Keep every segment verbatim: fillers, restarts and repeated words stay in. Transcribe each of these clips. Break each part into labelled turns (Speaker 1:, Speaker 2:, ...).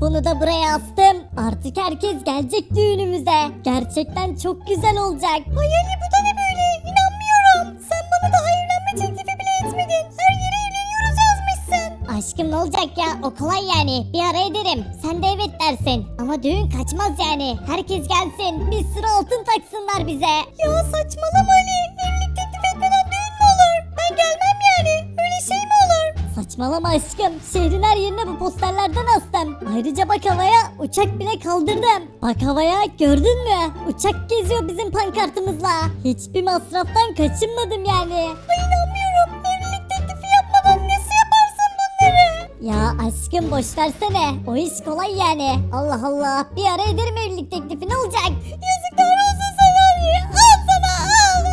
Speaker 1: Bunu da buraya astım. Artık herkes gelecek düğünümüze. Gerçekten çok güzel olacak. Ay Ali bu da ne böyle? İnanmıyorum. Sen bana daha evlenme teklifi bile etmedin. Her yere evleniyoruz yazmışsın. Aşkım ne olacak ya? O kolay yani. Bir ara ederim. Sen de evet dersin. Ama düğün kaçmaz yani. Herkes gelsin. Bir sürü altın taksınlar bize. Ya saçmalama Ali. Evlilik teklif etmeden düğün mü olur? Ben gelmem yani. Öyle şey mi olur? Saçmalama aşkım. Şehrin her yerine bu posterlerden astım. Ayrıca bak havaya uçak bile kaldırdım. Bak havaya gördün mü? Uçak geziyor bizim pankartımızla. Hiçbir masraftan kaçınmadım yani. Ay inanmıyorum. Evlilik teklifi yapmadan nasıl yaparsın bunları? Ya aşkım boş versene. O iş kolay yani. Allah Allah. Bir ara ederim evlilik teklifi ne olacak? Yazıklar olsun sana Ali. Al sana al.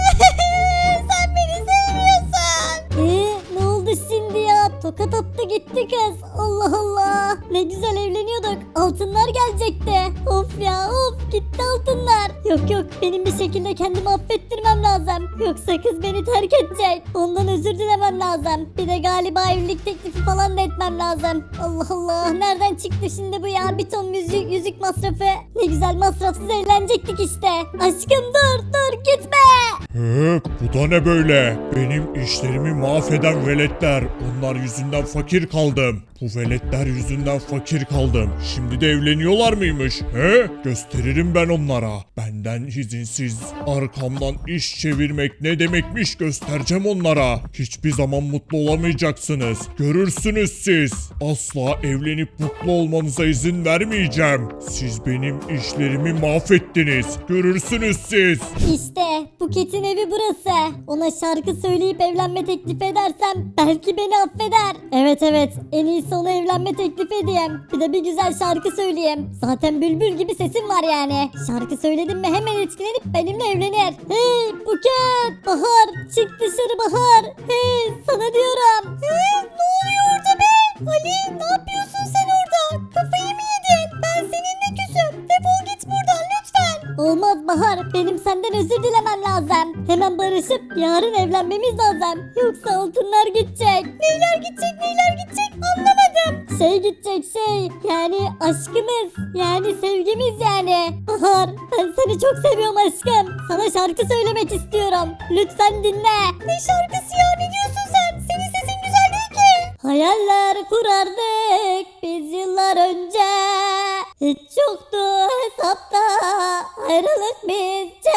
Speaker 1: Sen beni sevmiyorsun. Eee ne oldu şimdi ya? Tokat attı gitti kız. Allah Allah. Ne güzel evleniyorduk. Altınlar gelecekti. Of ya of gitti altınlar. Yok yok benim bir şekilde kendimi affettirmem lazım. Yoksa kız beni terk edecek. Ondan özür dilemem lazım. Bir de galiba evlilik teklifi falan da etmem lazım. Allah Allah nereden çıktı şimdi bu ya? Bir ton yüzük, yüzük masrafı. Ne güzel masrafsız evlenecektik işte. Aşkım dur dur gitme.
Speaker 2: He, bu da ne böyle? Benim işlerimi mahveden veletler. Onlar yüzünden fakir kaldım. Bu veletler yüzünden fakir kaldım. Şimdi de evleniyorlar mıymış? He? Gösteririm ben onlara. Benden izinsiz arkamdan iş çevirmek ne demekmiş göstereceğim onlara. Hiçbir zaman mutlu olamayacaksınız. Görürsünüz siz. Asla evlenip mutlu olmanıza izin vermeyeceğim. Siz benim işlerimi mahvettiniz. Görürsünüz siz.
Speaker 1: İşte Buket'in evi burası. Ona şarkı söyleyip evlenme teklif edersem belki beni affeder. Evet evet en iyisi ona evlenme teklif edeyim. Bir de bir güzel şarkı söyleyeyim. Zaten bülbül gibi sesim var yani. Şarkı söyledim mi hemen etkilenip benimle evlenir. Hey Buket! Bahar! Çık dışarı Bahar! Hey sana diyorum. He, ne oluyor orada be? Ali ne yapıyorsun sen orada? Kafayı mı yedin? Ben seninle küsüm. Defol git buradan lütfen. Olmaz Bahar. Benim senden özür dilemem lazım. Hemen barışıp yarın evlenmemiz lazım. Yoksa altınlar gidecek. Neyler gidecek neyler gidecek anlamadım. Şey gidecek şey. Yani aşkımız. Yani sevgimiz yani. Bahar ben seni çok seviyorum aşkım. Sana şarkı söylemek istiyorum. Lütfen dinle. Ne şarkısı ya ne diyorsun sen? Senin sesin güzel değil ki. Hayaller kurardık biz yıllar önce. Hiç yoktu hesapta ayrılık bizce.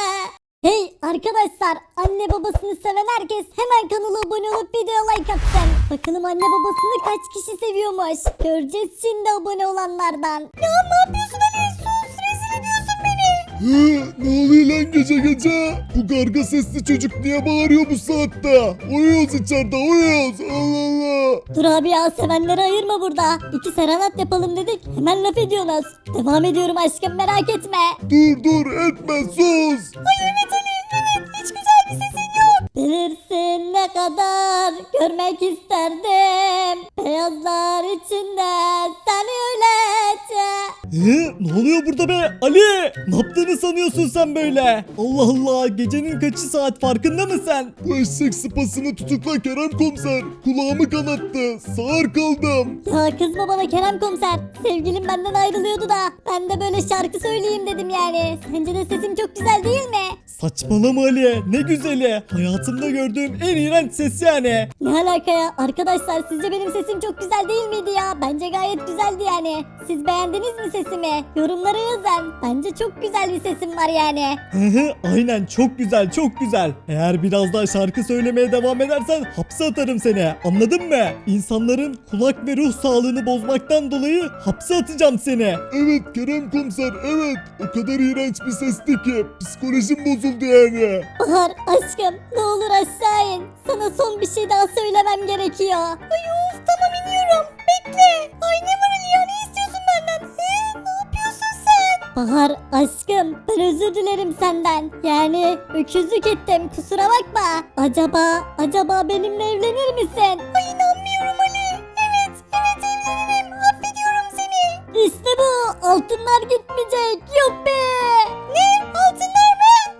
Speaker 1: Hey arkadaşlar anne babasını seven herkes hemen kanala abone olup video like atsın. Bakalım anne babasını kaç kişi seviyormuş. Göreceğiz şimdi abone olanlardan. Ya ne yapıyorsun Ali? Sus rezil ediyorsun beni.
Speaker 2: Hı, ne oluyor lan gece gece? Bu karga sesli çocuk niye bağırıyor bu saatte? Uyuyoruz içeride uyuyoruz. Allah Allah.
Speaker 1: Dur abi ya sevenleri ayırma burada. İki serenat yapalım dedik hemen laf ediyorsunuz. Devam ediyorum aşkım merak etme.
Speaker 2: Dur dur etme sus.
Speaker 1: Ay evet Ali evet hiç güzel bir sesin yok. Bilirsin ne kadar görmek isterdim. Beyazlar içinde seni öylece.
Speaker 3: Ee, ne oluyor burada be Ali? Ne yaptığını sanıyorsun sen böyle? Allah Allah gecenin kaçı saat farkında mısın?
Speaker 2: Bu eşek sıpasını tutukla Kerem komiser. Kulağımı kanattı. Sağır kaldım.
Speaker 1: Ya kızma bana Kerem komiser. Sevgilim benden ayrılıyordu da ben de böyle şarkı söyleyeyim dedim yani. Sence de sesim çok güzel değil mi?
Speaker 3: Saçmalama Ali ne güzeli. Hayatımda gördüğüm en iğrenç ses yani.
Speaker 1: Ne alaka ya? Arkadaşlar sizce benim sesim çok güzel değil miydi ya? Bence gayet güzeldi yani. Siz beğendiniz mi sesimi? Yorumlara yazın. Bence çok güzel bir sesim var yani.
Speaker 3: Hı hı, aynen çok güzel çok güzel. Eğer biraz daha şarkı söylemeye devam edersen hapse atarım seni. Anladın mı? İnsanların kulak ve ruh sağlığını bozmaktan dolayı hapse atacağım seni.
Speaker 2: Evet Kerem komiser evet. O kadar iğrenç bir sesti ki. Psikolojim bozuldu yani.
Speaker 1: Bahar aşkım ne olur aşağı in. Sana son bir şey daha söylemem gerekiyor. Ay of tamam iniyorum. Bekle. Ay ne var Ali ya ne istiyorsun benden? He, ne yapıyorsun sen? Bahar aşkım ben özür dilerim senden. Yani öküzlük ettim kusura bakma. Acaba acaba benimle evlenir misin? Ay inanmıyorum Ali. Evet evet evlenirim. Affediyorum seni. İşte bu altınlar gitmeyecek. Yok be. Ne altınlar mı?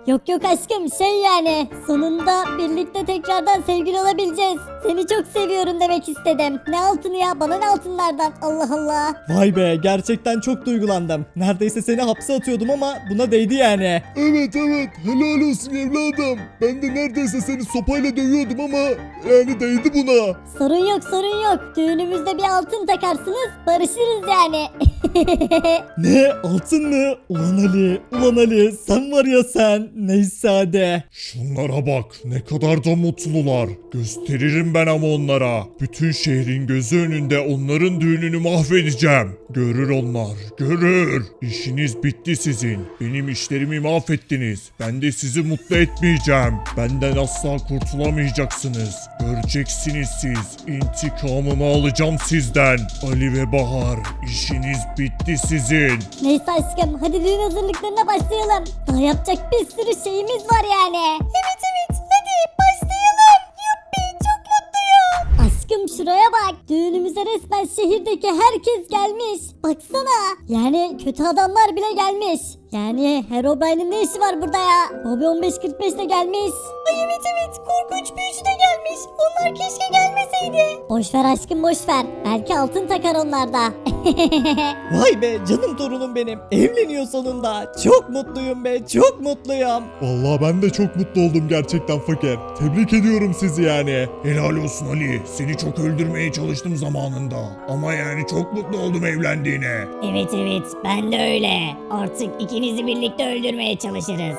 Speaker 1: Yok yok aşkım şey yani sonunda birlikte tekrardan sevgili olabileceğiz. Seni çok seviyorum demek istedim. Ne altını ya bana ne altınlardan Allah Allah.
Speaker 3: Vay be, gerçekten çok duygulandım. Neredeyse seni hapse atıyordum ama buna değdi yani.
Speaker 2: Evet evet helal olsun evladım. Ben de neredeyse seni sopayla dövüyordum ama yani değdi buna.
Speaker 1: Sorun yok sorun yok. Düğünümüzde bir altın takarsınız barışırız yani.
Speaker 3: Ne, altın mı? Ulan Ali, ulan Ali, sen var ya sen. Neyse hadi.
Speaker 2: Şunlara bak ne kadar da mutlular. Gösteririm ben ama onlara. Bütün şehrin gözü önünde onların düğününü mahvedeceğim. Görür onlar, görür. İşiniz bitti sizin. Benim işlerimi mahvettiniz. Ben de sizi mutlu etmeyeceğim. Benden asla kurtulamayacaksınız. Göreceksiniz siz. İntikamımı alacağım sizden. Ali ve Bahar, işiniz bitti sizin.
Speaker 1: Neyse aşkım hadi düğün hazırlıklarına başlayalım. Daha yapacak bir sürü şeyimiz var yani. Evet evet hadi başlayalım. Yuppi çok mutluyum. Aşkım şuraya bak. Düğünümüze resmen şehirdeki herkes gelmiş. Baksana. Yani kötü adamlar bile gelmiş. Yani Herobrine'in ne işi var burada ya? Bobby on beş kırk beş de gelmiş. Ay evet evet korkunç büyücü de gelmiş. Onlar keşke gelmeseydi. Boş ver aşkım boş ver. Belki altın takar onlar da.
Speaker 3: Vay be, canım torunum benim. Evleniyor sonunda. Çok mutluyum be, çok mutluyum.
Speaker 2: Vallahi ben de çok mutlu oldum gerçekten fakir. Tebrik ediyorum sizi yani. Helal olsun Ali. Seni çok öldürmeye çalıştım zamanında. Ama yani çok mutlu oldum evlendiğine.
Speaker 4: Evet evet ben de öyle. Artık ikinizi birlikte öldürmeye çalışırız.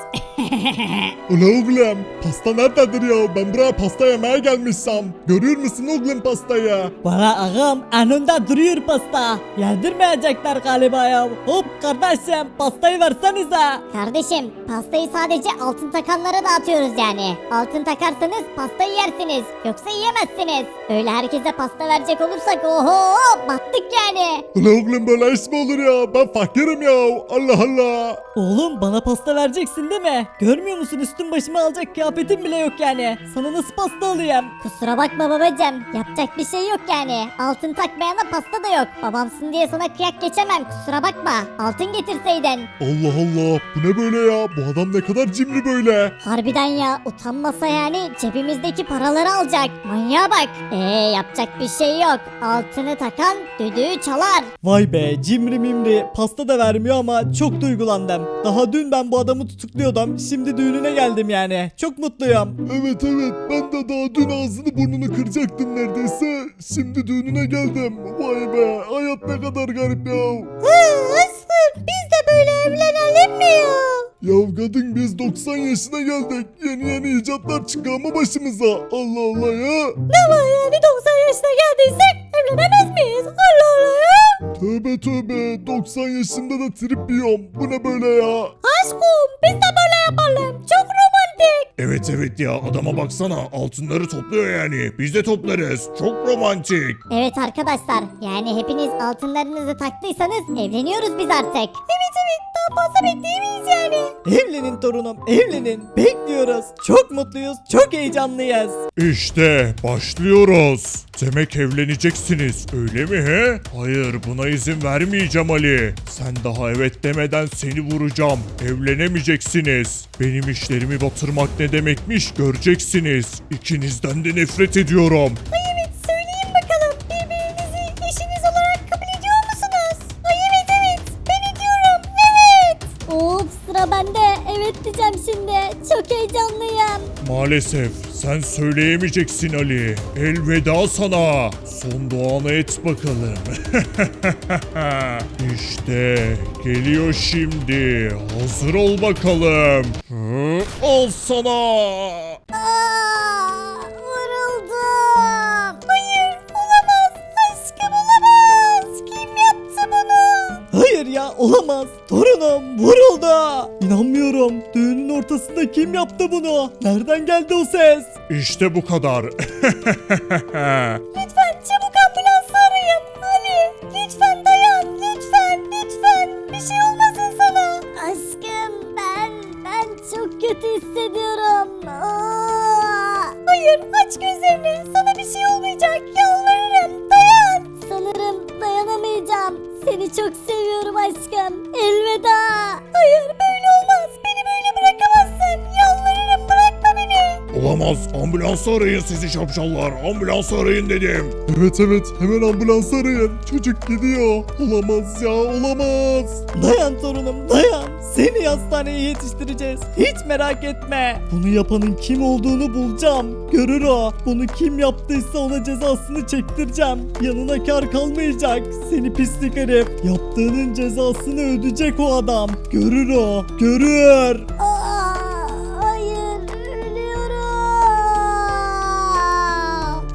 Speaker 2: Ula oğlum pasta nerededir ya? Ben buraya pasta yemeye gelmişsem. Görüyor musun oğlum pastayı?
Speaker 3: Bana ağam önünde duruyor pasta. Yedirmeyecekler galiba ya. Hop kardeşim, pastayı versenize.
Speaker 1: Kardeşim pastayı sadece altın takanlara dağıtıyoruz yani. Altın takarsanız pastayı yersiniz. Yoksa yiyemezsiniz. Öyle herkese pasta verecek olursak oho battık yani.
Speaker 2: Ula oğlum böyle iş mi olur ya? Ben fakirim ya. Allah Allah.
Speaker 3: Oğlum bana pasta vereceksin değil mi? Görmüyor musun, üstüm başımı alacak kıyafetim bile yok yani. Sana nasıl pasta alayım?
Speaker 1: Kusura bakma babacım. Yapacak bir şey yok yani. Altın takmayana pasta da yok. Babamsın diye sana kıyak geçemem. Kusura bakma. Altın getirseydin.
Speaker 2: Allah Allah. Bu ne böyle ya? Bu adam ne kadar cimri böyle.
Speaker 1: Harbiden ya utanmasa yani cebimizdeki paraları alacak. Manyağa bak. Eee yapacak bir şey yok. Altını takan düdüğü çalar.
Speaker 3: Vay be, cimri mimri, pasta da vermiyor ama çok duygulandım. Daha dün ben bu adamı tutukluyordum, şimdi düğününe geldim yani. Çok mutluyum.
Speaker 2: Evet evet. Ben de daha dün ağzını burnunu kıracaktım neredeyse. Şimdi düğününe geldim. Vay be. Hayat ne kadar garip ya.
Speaker 1: Aslı biz de böyle evlenelim mi ya?
Speaker 2: Ya kadın biz doksan yaşına geldik. Yeni yeni icatlar çıkıyor ama başımıza. Allah Allah ya.
Speaker 1: Ne var yani doksan yaşına geldiysek evlenemez miyiz? Allah Allah ya.
Speaker 2: Tövbe tövbe. doksan yaşımda da trip yiyorum. Bu ne böyle ya?
Speaker 1: Aşkım biz de böyle yapalım. Çok romantik.
Speaker 2: Evet evet ya adama baksana altınları topluyor yani. Biz de toplarız. Çok romantik.
Speaker 1: Evet arkadaşlar yani hepiniz altınlarınızı taktıysanız evleniyoruz biz artık. Evet evet daha fazla bekleyemeyiz yani.
Speaker 3: Evlenin torunum, evlenin. Bekliyoruz. Çok mutluyuz, çok heyecanlıyız.
Speaker 2: İşte başlıyoruz. Demek evleneceksiniz öyle mi he? Hayır buna izin vermeyeceğim Ali. Sen daha evet demeden seni vuracağım. Evlenemeyeceksiniz. Benim işlerimi batırmak ne demekmiş göreceksiniz. İkinizden de nefret ediyorum.
Speaker 1: Ay evet söyleyin bakalım birbirinizi eşiniz olarak kabul ediyor musunuz? Ay evet evet ben ediyorum evet. Of sıra bende evet diyeceğim şimdi çok heyecanlıyım.
Speaker 2: Maalesef sen söyleyemeyeceksin Ali. Elveda sana. Son duanı et bakalım. İşte geliyor şimdi. Hazır ol bakalım. Hı, al sana.
Speaker 1: Aa, vuruldum. Hayır olamaz aşkım olamaz. Kim yaptı bunu?
Speaker 3: Hayır ya, olamaz. Torunum vuruldu. İnanmıyorum. Düğünün ortasında kim yaptı bunu? Nereden geldi o ses?
Speaker 2: İşte bu kadar.
Speaker 1: Lütfen çabuk ambulansı arayın. Ali lütfen dayan lütfen lütfen. Bir şey olmasın sana. Aşkım ben ben çok kötü hissediyorum. Aa! Hayır aç gözlerini sana bir şey olmayacak yalvarırım dayan. Sanırım dayanamayacağım. Seni çok seviyorum aşkım. Elveda. Hayır böyle olmaz. Beni böyle bırakamazsın.
Speaker 2: Olamaz. Ambulansı arayın sizi şapşallar. Ambulansı arayın dedim.
Speaker 3: Evet evet hemen ambulans arayın. Çocuk gidiyor. Olamaz ya olamaz. Dayan torunum dayan. Seni hastaneye yetiştireceğiz. Hiç merak etme. Bunu yapanın kim olduğunu bulacağım. Görür o. Bunu kim yaptıysa ona cezasını çektireceğim. Yanına kar kalmayacak. Seni pislik herif. Yaptığının cezasını ödeyecek o adam. Görür o. Görür.